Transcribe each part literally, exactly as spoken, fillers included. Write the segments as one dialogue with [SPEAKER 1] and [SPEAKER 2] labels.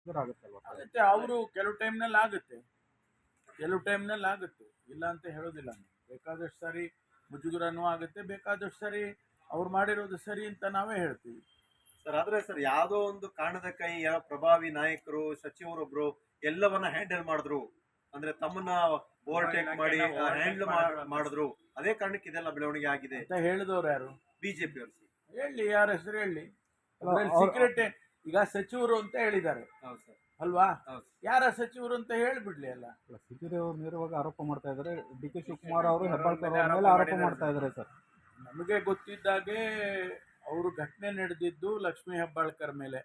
[SPEAKER 1] ಆಗುತ್ತಲ್ವಾ?
[SPEAKER 2] ಆಗುತ್ತೆ, ಅವರು ಕೆಲವು ಟೈಮ್ನಲ್ಲಿ ಆಗುತ್ತೆ, ಕೆಲವು ಟೈಮ್ನಲ್ಲಿ ಆಗುತ್ತೆ, ಇಲ್ಲ ಅಂತ ಹೇಳೋದಿಲ್ಲ. ಬೇಕಾದಷ್ಟು ಸಾರಿ ಮುಜುಗರನೂ ಆಗುತ್ತೆ, ಬೇಕಾದಷ್ಟು ಸಾರಿ ಅವ್ರು ಮಾಡಿರೋದು ಸರಿ ಅಂತ ನಾವೇ ಹೇಳ್ತೀವಿ
[SPEAKER 3] ಸರ್. ಆದ್ರೆ ಸರ್, ಯಾವುದೋ ಒಂದು ಕಾರಣದ ಕೈ ಯಾವ ಪ್ರಭಾವಿ ನಾಯಕರು ಸಚಿವರೊಬ್ರು ಎಲ್ಲವನ್ನ ಹ್ಯಾಂಡಲ್ ಮಾಡಿದ್ರು, ಅಂದ್ರೆ ತಮ್ಮನ್ನ ಓವರ್ಟೇಕ್ ಮಾಡಿ ಹ್ಯಾಂಡಲ್ ಮಾಡಿದ್ರು, ಅದೇ ಕಾರಣಕ್ಕೆ ಇದೆಲ್ಲ ಬೆಳವಣಿಗೆ ಆಗಿದೆ
[SPEAKER 2] ಅಂತ ಹೇಳಿದವ್ರು ಯಾರು?
[SPEAKER 3] ಬಿಜೆಪಿ ಅವರು.
[SPEAKER 2] ಹೇಳಿ, ಯಾರ ಹೆಸರು ಹೇಳಿ. ಸೀಕ್ರೆಟ್ ಈಗ ಸಚಿವರು ಅಂತ ಹೇಳಿದ್ದಾರೆ ಅಲ್ವಾ? ಯಾರ ಸಚಿವರು ಅಂತ ಹೇಳಿಬಿಡ್ಲಿ ಅಲ್ಲ.
[SPEAKER 1] ಸಿದ್ದರಾಮಯ್ಯ ಅವರು ನೇರವಾಗಿ ಆರೋಪ ಮಾಡ್ತಾ ಇದ್ದಾರೆ, ಡಿ ಕೆ ಶಿವಕುಮಾರ್ ಅವರು ಹೆಬ್ಬಾಳ್ಕರ್ ಅವರ ಮೇಲೆ ಆರೋಪ ಮಾಡ್ತಾ ಇದ್ದಾರೆ ಸರ್.
[SPEAKER 2] ನಮಗೆ ಗೊತ್ತಿದ್ದಾಗೆ ಅವರು ಘಟನೆ ನಡೆದಿದ್ದು ಲಕ್ಷ್ಮೀ ಹೆಬ್ಬಾಳ್ಕರ್ ಮೇಲೆ.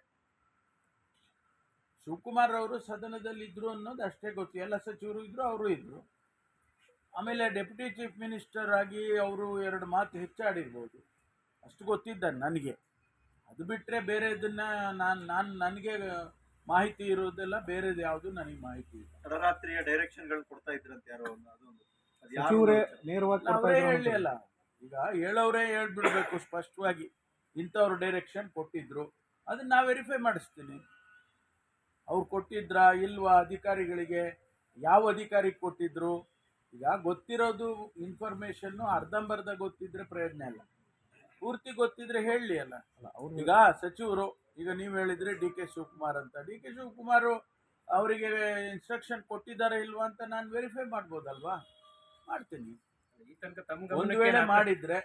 [SPEAKER 2] ಶಿವಕುಮಾರ್ ಅವರು ಸದನದಲ್ಲಿ ಇದ್ರು ಅನ್ನೋದು ಅಷ್ಟೇ ಗೊತ್ತು. ಎಲ್ಲ ಸಚಿವರು ಇದ್ರು, ಅವರು ಇದ್ರು. ಆಮೇಲೆ ಡೆಪ್ಯೂಟಿ ಚೀಫ್ ಮಿನಿಸ್ಟರ್ ಆಗಿ ಅವರು ಎರಡು ಮಾತು ಹೆಚ್ಚಾಡಿರ್ಬೋದು, ಅಷ್ಟು ಗೊತ್ತಿದ್ದ ನನಗೆ. ಅದು ಬಿಟ್ಟರೆ ಬೇರೆ ಇದನ್ನ ನಾನು ನಾನು ನನಗೆ ಮಾಹಿತಿ ಇರೋದೆಲ್ಲ ಬೇರೆದು ಯಾವುದು ನನಗೆ ಮಾಹಿತಿ ಇಲ್ಲ.
[SPEAKER 3] ತಡರಾತ್ರಿಯ ಡೈರೆಕ್ಷನ್ಗಳು ಕೊಡ್ತಾ ಇದ್ರಂತೆ ಯಾರೋ ಅದೊಂದು
[SPEAKER 1] ಸಚಿವರೇ ನೇರವಾಗಿ
[SPEAKER 2] ಅವರೇ ಹೇಳಿ ಅಲ್ಲ. ಈಗ ಹೇಳೋರೇ ಹೇಳ್ಬಿಡ್ಬೇಕು ಸ್ಪಷ್ಟವಾಗಿ, ಇಂಥವ್ರು ಡೈರೆಕ್ಷನ್ ಕೊಟ್ಟಿದ್ರು, ಅದನ್ನ ನಾ ವೆರಿಫೈ ಮಾಡಿಸ್ತೀನಿ. ಅವ್ರು ಕೊಟ್ಟಿದ್ರಾ ಇಲ್ವಾ, ಅಧಿಕಾರಿಗಳಿಗೆ ಯಾವ ಅಧಿಕಾರಿಗೆ ಕೊಟ್ಟಿದ್ರು. ಈಗ ಗೊತ್ತಿರೋದು ಇನ್ಫಾರ್ಮೇಶನ್ನು ಅರ್ಧಂಬರ್ಧ ಗೊತ್ತಿದ್ರೆ ಪ್ರಯೋಜನ ಇಲ್ಲ, ಪೂರ್ತಿ ಗೊತ್ತಿದ್ರೆ ಹೇಳಲಿ ಅಲ್ಲ. ಈಗ ಸಚಿವರು, ಈಗ ನೀವು ಹೇಳಿದ್ರೆ ಡಿ ಕೆ ಶಿವಕುಮಾರ್ ಅಂತ, ಡಿ ಕೆ ಶಿವಕುಮಾರ್ ಅವರಿಗೆ ಇನ್ಸ್ಟ್ರಕ್ಷನ್ ಕೊಟ್ಟಿದ್ದಾರೆ ಇಲ್ವಾ ಅಂತ ನಾನು ವೆರಿಫೈ ಮಾಡ್ಬೋದಲ್ವಾ? ಮಾಡ್ತೀನಿ. ಒಂದು ವೇಳೆ ಮಾಡಿದ್ರೆ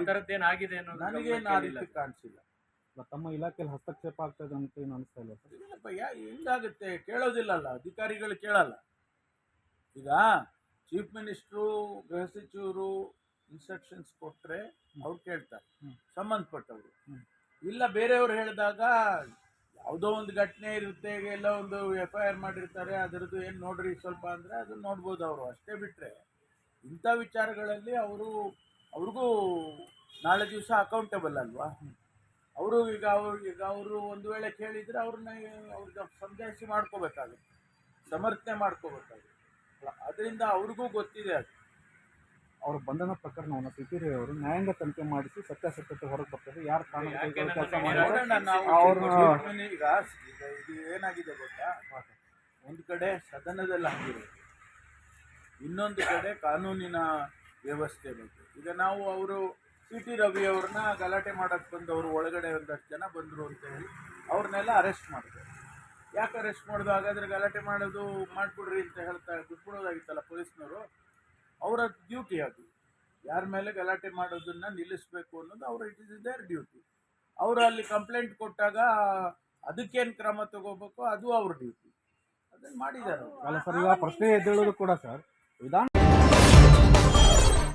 [SPEAKER 2] ನನಗೇನು ಆ ರೀತಿ ಕಾಣಿಸಿಲ್ಲ.
[SPEAKER 1] ತಮ್ಮ ಇಲಾಖೆಯಲ್ಲಿ ಹಸ್ತಕ್ಷೇಪ ಆಗ್ತದೆ ಅಂತ ಏನು ಅನಿಸ್ತಾ ಇಲ್ಲ ಸರ್?
[SPEAKER 2] ಇಲ್ಲಪ್ಪ, ಯಾ ಹೆಂಗಾಗುತ್ತೆ, ಕೇಳೋದಿಲ್ಲಲ್ಲ, ಅಧಿಕಾರಿಗಳು ಕೇಳಲ್ಲ. ಈಗ ಚೀಫ್ ಮಿನಿಸ್ಟ್ರು, ಗೃಹ ಸಚಿವರು ಇನ್ಸ್ಟ್ರಕ್ಷನ್ಸ್ ಕೊಟ್ಟರೆ ಅವ್ರು ಕೇಳ್ತಾರೆ, ಸಂಬಂಧಪಟ್ಟವರು. ಇಲ್ಲ ಬೇರೆಯವ್ರು ಹೇಳಿದಾಗ ಯಾವುದೋ ಒಂದು ಘಟನೆ ಇರುತ್ತೆ, ಎಲ್ಲ ಒಂದು ಎಫ್ ಐ ಆರ್ ಮಾಡಿರ್ತಾರೆ, ಅದರದ್ದು ಏನು ನೋಡ್ರಿ ಸ್ವಲ್ಪ ಅಂದರೆ ಅದನ್ನು ನೋಡ್ಬೋದು ಅವರು, ಅಷ್ಟೇ ಬಿಟ್ಟರೆ ಇಂಥ ವಿಚಾರಗಳಲ್ಲಿ ಅವರು ಅವ್ರಿಗೂ ನಾಳೆ ದಿವಸ ಅಕೌಂಟಬಲ್ ಅಲ್ವಾ ಅವರು. ಈಗ ಅವ್ರು ಈಗ ಅವರು ಒಂದು ವೇಳೆ ಕೇಳಿದರೆ ಅವ್ರನ್ನ ಅವ್ರಿಗೆ ಸಮಜಾಯಿಸಿ ಮಾಡ್ಕೋಬೇಕಾಗುತ್ತೆ, ಸಮರ್ಥನೆ ಮಾಡ್ಕೋಬೇಕಾಗುತ್ತೆ. ಅದರಿಂದ ಅವ್ರಿಗೂ ಗೊತ್ತಿದೆ ಅದು.
[SPEAKER 1] ಅವ್ರ ಬಂಧನ ಪ್ರಕರಣವನ್ನು ಸಿದ್ದರಾಮಯ್ಯ ಅವರು ನ್ಯಾಯಾಂಗ ತನಿಖೆ ಮಾಡಿಸಿ ಸತ್ಯಾಸತ್ಯತೆ ಹೊರಗೆ ಬರ್ತದೆ, ಯಾರು ಕಾರಣ ಕೆಲಸ
[SPEAKER 2] ಮಾಡೋಣ ನಾವು. ಈಗ ಇದು ಏನಾಗಿದೆ ಗೊತ್ತಾ, ಒಂದು ಕಡೆ ಸದನದಲ್ಲಿ ಆಗಿರೋದು, ಇನ್ನೊಂದು ಕಡೆ ಕಾನೂನಿನ ವ್ಯವಸ್ಥೆ ಬಗ್ಗೆ. ಈಗ ನಾವು ಅವರು ಸಿ ಟಿ ರವಿ ಅವ್ರನ್ನ ಗಲಾಟೆ ಮಾಡೋಕ್ಕೆ ಬಂದವರು, ಒಳಗಡೆ ಒಂದಷ್ಟು ಜನ ಬಂದರು ಅಂತ ಹೇಳಿ ಅವ್ರನ್ನೆಲ್ಲ ಅರೆಸ್ಟ್ ಮಾಡಿದ್ರು. ಯಾಕೆ ಅರೆಸ್ಟ್ ಮಾಡೋದು? ಹಾಗಾದರೆ ಗಲಾಟೆ ಮಾಡೋದು ಮಾಡಿಬಿಡ್ರಿ ಅಂತ ಹೇಳ್ತಾ ಬಿಟ್ಬಿಡೋದಾಗಿತ್ತಲ್ಲ ಪೊಲೀಸ್ನವರು. ಅವರ ಡ್ಯೂಟಿ ಅದು, ಯಾರ ಮೇಲೆ ಗಲಾಟೆ ಮಾಡೋದನ್ನು ನಿಲ್ಲಿಸಬೇಕು ಅನ್ನೋದು ಅವ್ರ ಇಟ್ ಇಸ್ ದೇರ್ ಡ್ಯೂಟಿ. ಅವರು ಅಲ್ಲಿ ಕಂಪ್ಲೇಂಟ್ ಕೊಟ್ಟಾಗ ಅದಕ್ಕೇನು ಕ್ರಮ ತಗೋಬೇಕು ಅದು ಅವ್ರ ಡ್ಯೂಟಿ, ಅದನ್ನು ಮಾಡಿದ್ದಾರೆ.
[SPEAKER 1] ಅಲ್ಲ ಸರ್, ಈಗ ಪ್ರಶ್ನೆ ಎದ್ದೇಳೋದು ಕೂಡ ಸರ್ ವಿಧಾನ